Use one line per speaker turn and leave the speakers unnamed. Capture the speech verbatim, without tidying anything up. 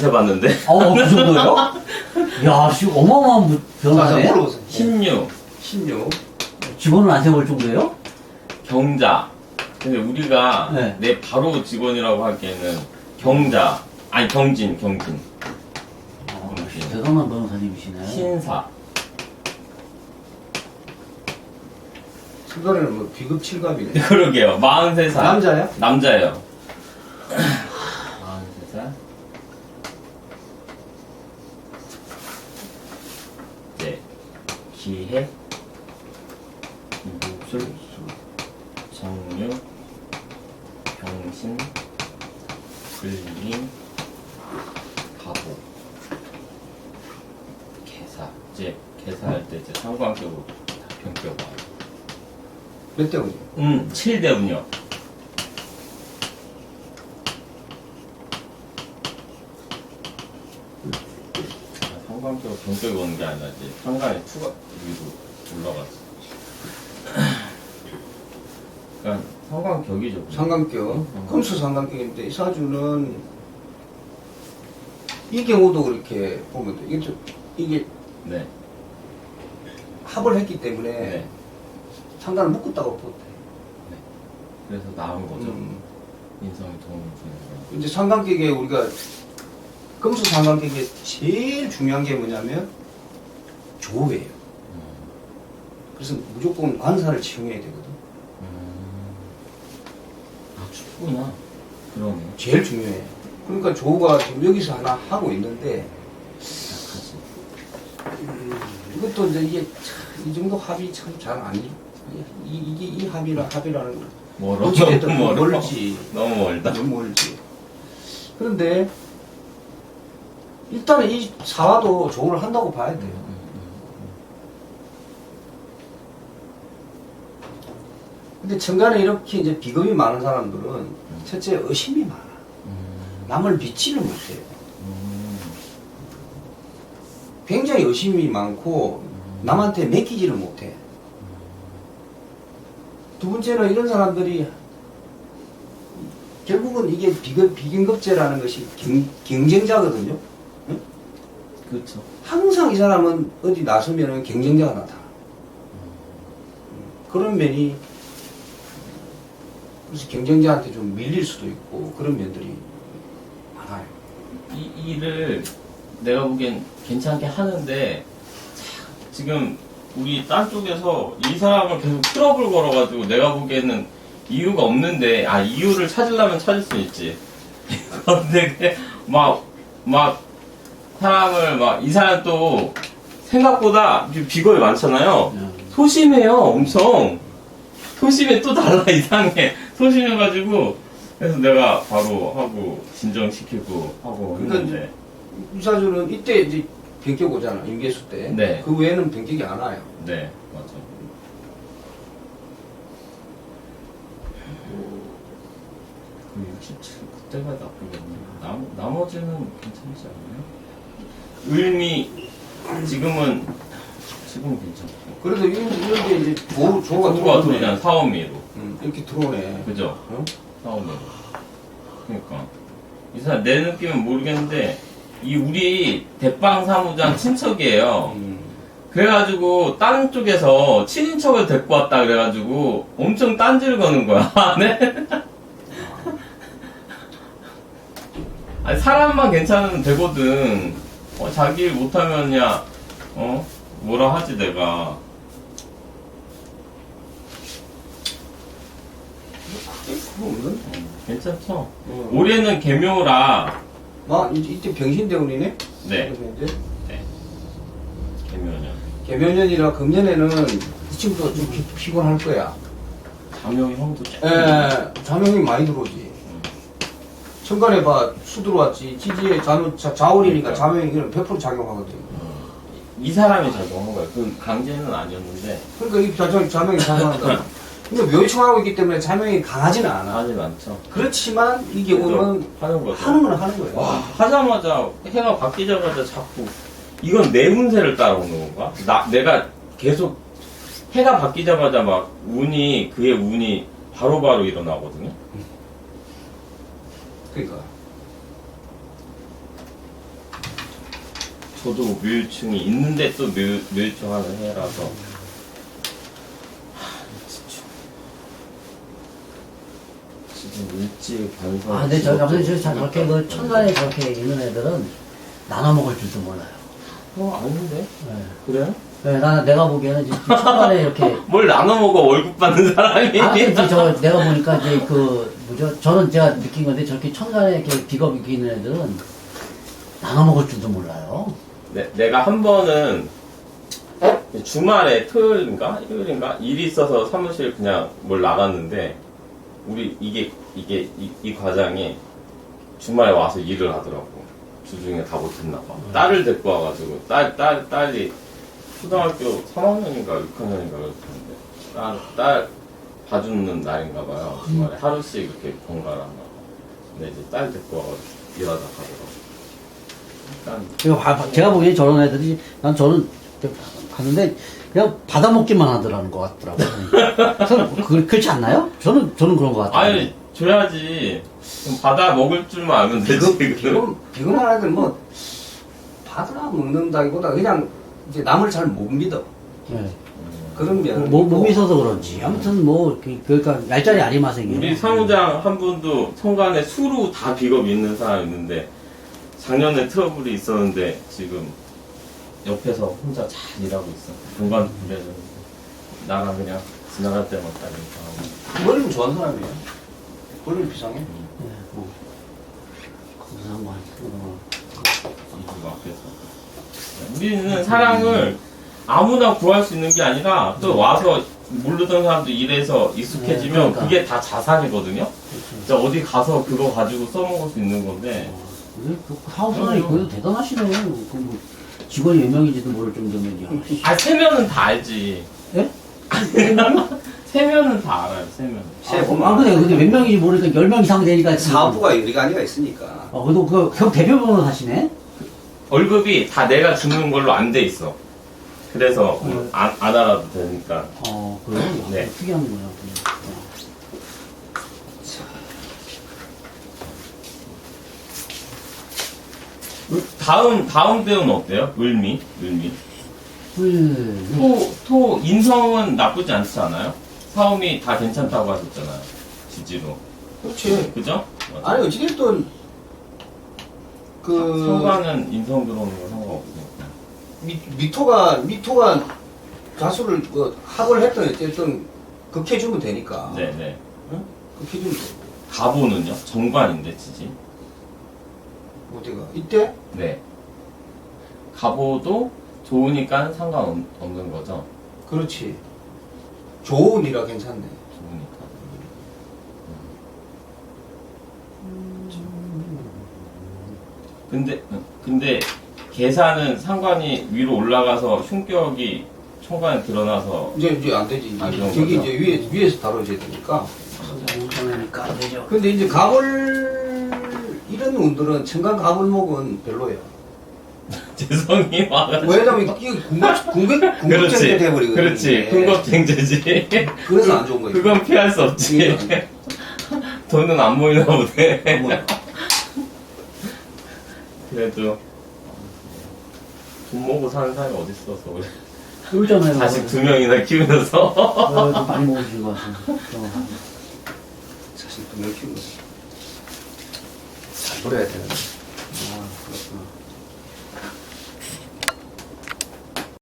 세봤는데.
어, 그 정도요? 야, 씨, 어마어마한 무- 변화네.
물어보세요.
신유,
신유.
직원은 안 세볼 정도예요?
경자. 근데 우리가
네.
내 바로 직원이라고 하기에는 경자, 아니 경진, 경진.
어, 대단한 변호사님이시네.
신사.
순간에는 뭐 비급 칠갑이네.
그러게요. 마흔세 살.
남자야?
남자예요. 마흔세 살. 네. 기해, 무술, 정유, 병신, 불림, 가보, 개사. 이제 개사할 때 이제 상관격으로 다 변격와요.
몇 대군요?
음, 칠 대군요. 상관격으로 변격이 오는 게 아니라 이제 상관이 추가 위로 올라갔어. 그러니까 상관격이죠.
상관격. 금수 상관격인데 이 사주는 이 경우도 그렇게 보면 돼. 이게 좀, 이게
네.
합을 했기 때문에
네.
상관을 묶었다고 보대.
그래서 나은 거죠.
음.
인성이 도움을 주는 거.
이제 상관격에 우리가 금수 상관격에 제일 중요한 게 뭐냐면 조회예요.
음.
그래서 무조건 관사를 치용해야 되거든.
음. 아, 춥구나. 그러네.
제일 중요해. 그러니까 조가 지금 여기서 하나 하고 있는데
약하지.
음, 이것도 이제 이게 참, 이 정도 합이 참 잘 아니. 이, 이게 이 합이라 합이라는 거.
멀어.
어찌됐든
너무 멀어.
멀지.
너무 멀다.
너무 멀지. 그런데 일단은 이 사화도 조를 한다고 봐야 돼요.
음,
근데 천간에 이렇게 이제 비겁이 많은 사람들은 첫째 의심이 많아.
음,
남을 믿지를 못해요.
음,
굉장히 의심이 많고 남한테 맡기지를 못해. 두 번째는 이런 사람들이 결국은 이게 비급, 비긴급제라는 것이 경, 경쟁자거든요. 응?
그렇죠.
항상 이 사람은 어디 나서면은 경쟁자가 나타나. 그런 면이 그래서 경쟁자한테 좀 밀릴 수도 있고 그런 면들이 많아요.
이 일을 내가 보기엔 괜찮게 하는데 자, 지금 우리 딴 쪽에서 이 사람을 계속 트러블 걸어가지고 내가 보기에는 이유가 없는데 아 이유를 찾으려면 찾을 수 있지. 근데 막 막 사람을 막 이 사람 또 생각보다 비거이 많잖아요. 소심해요, 엄청. 소심해 또 달라 이상해. 소심해가지고 그래서 내가 바로 하고 진정시키고 하고
그러니까
했는데
이 사주는 이때 이제 변격 오잖아, 임계수 때.
네.
그 외에는 변격이 안 와요.
네 맞아. 그 육십칠 그때가 나쁘겠네. 남 나머지는 괜찮지 않나요? 을미 지금은 지금은 괜찮고.
그래도 이런, 이런 게 이제 조, 조가
조가
들어오네.
들어오잖아 사원미로.
음, 이렇게 들어오네.
그죠?
어?
사원미로. 그러니까 이 사람 내 느낌은 모르겠는데 이 우리 대빵 사무장 친척이에요.
음.
그래가지고 다른 쪽에서 친인척을 데리고 왔다 그래가지고 엄청 딴지를 거는 거야. 네? 아니 사람만 괜찮으면 되거든. 어, 자기 일 못하면 야 어? 뭐라 하지 내가.
그거 없는?
음, 괜찮죠?
어.
올해는 개묘라.
아, 이- 이때 병신대운이네?
네.
그래서 이제
네. 개묘년.
개묘년이라 금년에는 이 친구도 좀 피, 피곤할 거야.
자명이 형도 조금.
에, 자명이 많이 들어오지.
음.
천간에 봐, 수 들어왔지. 지지에 자는, 자, 자월이니까
그러니까.
자명이 백 퍼센트 작용하거든.
이 사람이 작용한 거야. 그 강제는 아니었는데
그러니까 이 자명, 자명이 작용한다. 근데 묘충하고 있기 때문에 자명이 강하지는 않아.
하지 않죠.
그렇지만 이 경우는
하는 거죠.
하는 건 하는 거예요.
와, 하자마자 해가 바뀌자마자 자꾸 이건 내 운세를 따라오는 건가? 나 내가 계속 해가 바뀌자마자 막 운이 그의 운이 바로바로 바로 일어나거든요.
그러니까.
저도 묘유층이 있는데 또 묘, 묘유층 하는 해라서 하, 진짜. 지금 일찍 반성.
아, 근데 저, 아무튼 저, 저, 저렇게 그 천간에 저렇게 있는 애들은 나눠 먹을 줄도 몰라요.
어 아닌데?
네.
그래요?
네, 나는 내가 보기에는 지금 천간에 이렇게.
뭘 나눠 먹어 월급 받는 사람이?
아, 근데 이제 저, 내가 보니까 이제 그, 뭐죠? 저는 제가 느낀 건데 저렇게 천간에 이렇게 비겁 있게 있는 애들은 나눠 먹을 줄도 몰라요.
네, 내가 한 번은 주말에 토요일인가 일요일인가 일이 있어서 사무실 그냥 뭘 나갔는데 우리 이게 이게 이, 이 과장이 주말에 와서 일을 하더라고. 주중에 다 못했나 봐.
음.
딸을 데리고 와가지고 딸 딸 딸이 초등학교 삼 학년인가 육 학년인가 그랬는데 딸 딸 봐주는 날인가 봐요. 주말에 하루씩 이렇게 번갈아 나. 근데 이제 딸 데리고 와가지고 일하다 가더라고. 일단
그리고 바- 바- 제가 보기엔 저런 애들이, 난 저는 가는데 그냥 받아먹기만 하더라는 것 같더라고요. 그래서 그, 그렇지 않나요? 저는, 저는 그런 것 같아요.
아니 줘야지. 그럼 받아 먹을 줄만 알면 되지.
비금, 비금, 비금한 애들 뭐, 받으라 먹는다기보다 그냥 이제 남을 잘 못 믿어.
네.
그런 면은.
뭐, 못
있고.
믿어서 그런지. 아무튼 뭐, 그, 그러니까, 얄짤이 아리마생이에요.
우리 사무장 한 분도 천간에 수로 다 비겁 있는 사람 있는데 작년에 트러블이 있었는데 지금 옆에서 혼자 잘 일하고 있어. 공간 부려주는데 나랑 그냥 지나갈 때마다 이렇게 하고.
머리는 좋아하는 사람이에요. 머리는 비상해.
네, 뭐. 거기서 한 번. 어.
이거 앞에서. 우리는 사랑을 아무나 구할 수 있는 게 아니라 또 와서 모르던 사람도 일해서 익숙해지면
네, 그러니까.
그게 다 자산이거든요.
그렇죠.
진짜 어디 가서 그거 가지고 써먹을 수 있는 건데
그, 그 사업사장이 그래도 대단하시네. 그 뭐, 직원이 몇 명인지도 모를 정도면, 야. 씨.
아 세면은 다 알지.
예?
세면은 다 알아요. 세면.
세
아,
보면.
근데 그게 몇 명인지 모르니까 열 명 이상 되니까. 지금.
사업부가 유리관이가 있으니까.
어, 그래도 그, 형 대표번호 하시네?
월급이 다 내가 주는 걸로 안 돼 있어. 그래서
음.
안, 안 알아도 되니까.
어, 그래요?
네.
특이하는구나. 어.
다음 다음 배우는 어때요? 을미, 을미.
음.
토, 토 인성은 나쁘지 않지 않아요? 사움이 다 괜찮다고 하셨잖아요. 지지로.
그렇지.
그죠?
아니, 어찌됐든, 그,
성과는 인성 들어오는 거 상관없으니까.
미, 미토가, 미토가 자수를, 그, 합을 했던, 어쨌든, 극해주면 되니까.
네네.
응? 극해주면 돼.
가보는요? 정관인데 지지.
어디가? 이때?
네. 가보도 좋으니까 상관없는 거죠.
그렇지. 좋으니라 괜찮네.
좋으니까. 근데 근데 계산은 상관이 위로 올라가서 흉격이 총관에 드러나서
이제, 이제 안 되지.
안 좋은
저기
거죠?
이제 위에, 위에서 다뤄져야 되니까.
운전하니까 안 되죠.
근데 이제 가볼, 이런 운들은 청간 가불목은 별로야.
재성이 와가지고.
왜냐면 이게 궁극, 궁극, 궁극적이
그렇지.
돼버리거든.
그렇지. 궁겁쟁제지.
그래서 안 좋은 거야.
그건 피할 수 없지. 돈은 안 모이나 보네.
뭐,
그래도 돈 먹고 사는 사람이 어딨어 서울에.
쫄잖아요.
자식 두 명이나 키우면서.
어, 좀 많이 먹으신 것 같은데. 어.
자식 두명 키우는 잘 놀아야 되는데.